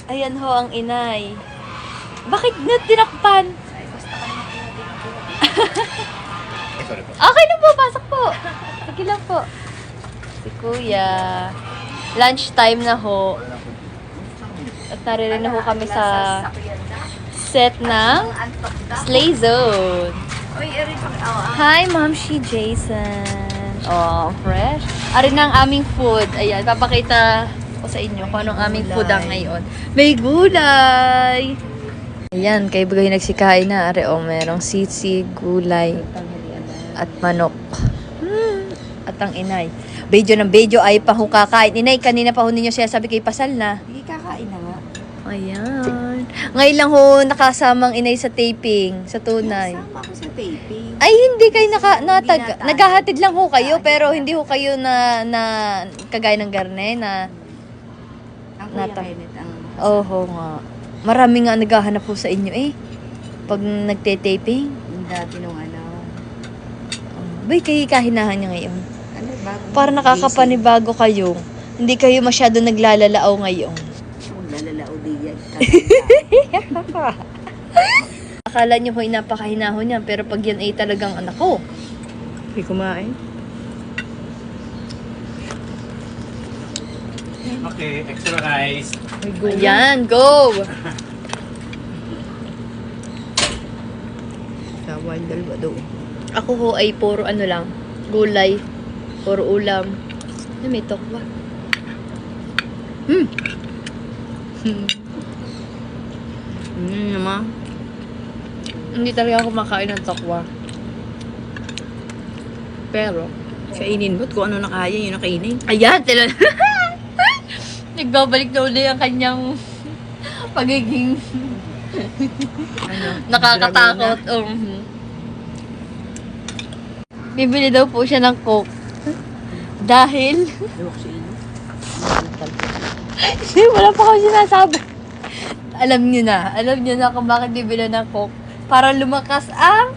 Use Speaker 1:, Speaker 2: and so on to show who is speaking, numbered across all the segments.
Speaker 1: Ayan ho ang inay. Bakit na tinakpan?
Speaker 2: Sorry po.
Speaker 1: Okay lang po, pasok po. Sige lang po. Si Kuya. Lunch time na ho. At naririnig na ho kami sa set ng Slay Zone. Hi, Ma'am Shi Jason. Oh, fresh. Ari na ang aming food. Ayan, papakita ko sa inyo kung anong aming food ang ngayon. May gulay! Ayan, kay Bagay nagsikain na. Ari, oh, merong sisi, gulay, at manok. At ang inay. Bejo ng bejo ay pa ho kakain. Inay, kanina pa ho ninyo siya sabi kay Pasal na.
Speaker 3: Hindi kakain na nga.
Speaker 1: Ayan. Ngayon lang ho nakasamang inay sa taping, sa tunay.
Speaker 3: Sama ako sa taping.
Speaker 1: Ay, hindi kayo
Speaker 3: Hindi na
Speaker 1: naghahatid lang ho kayo, pero hindi ho kayo na kagaya ng garne na
Speaker 3: Ang Kuya
Speaker 1: Nata-
Speaker 3: Kenneth ang...
Speaker 1: oho nga. Marami nga naghahanap ho sa inyo eh. Pag nagte-taping.
Speaker 3: Yung dati nung ano.
Speaker 1: Bay, kayo kahinahan niya ngayon.
Speaker 3: Ano ba?
Speaker 1: Para nakakapanibago kayo. Hindi kayo masyado naglalalao ngayon.
Speaker 3: Kung lalalao di yan.
Speaker 1: Akala niyo ho'y napakahinahon niya, pero pag yan ay talagang anak ko.
Speaker 3: Hindi kumain.
Speaker 2: Okay, extra rice.
Speaker 1: Ayan, go!
Speaker 3: Sawan dalawa doon.
Speaker 1: Ako ho ay puro ano lang, gulay, puro ulam. Ay, may tokwa.
Speaker 3: Naman.
Speaker 1: Hindi talaga ako makain ng tokwa. Pero,
Speaker 3: Kainin mo't kung ano nakaya yun nakainin.
Speaker 1: ayan, sila. Nagbabalik na uli ang kanyang pagiging
Speaker 3: Ano?
Speaker 1: nakakatakot. Bibili daw po siya ng Coke. Dahil,
Speaker 3: Luwak sa inyo.
Speaker 1: wala pa ako sinasabi. Alam niyo na kung bakit bibili ng Coke. Para lumakas ang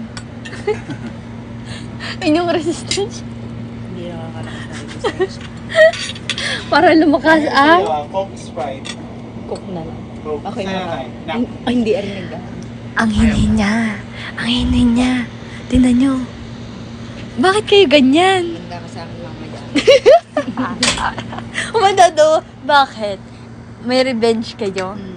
Speaker 1: inyong resistance.
Speaker 3: Hindi nakakalakas na resistance.
Speaker 1: Para lumakas ang
Speaker 2: Coke Sprite.
Speaker 1: Coke na lang.
Speaker 2: Coke.
Speaker 1: Okay
Speaker 2: Sana
Speaker 1: na.
Speaker 2: na.
Speaker 3: Ay, hindi arinig ah.
Speaker 1: Ang hinay niya. Ang hinay niya. Tingnan niyo. Bakit kayo ganyan?
Speaker 3: Handa ka sa akin mamaya.
Speaker 1: Umandado. Bakit? May revenge kayo?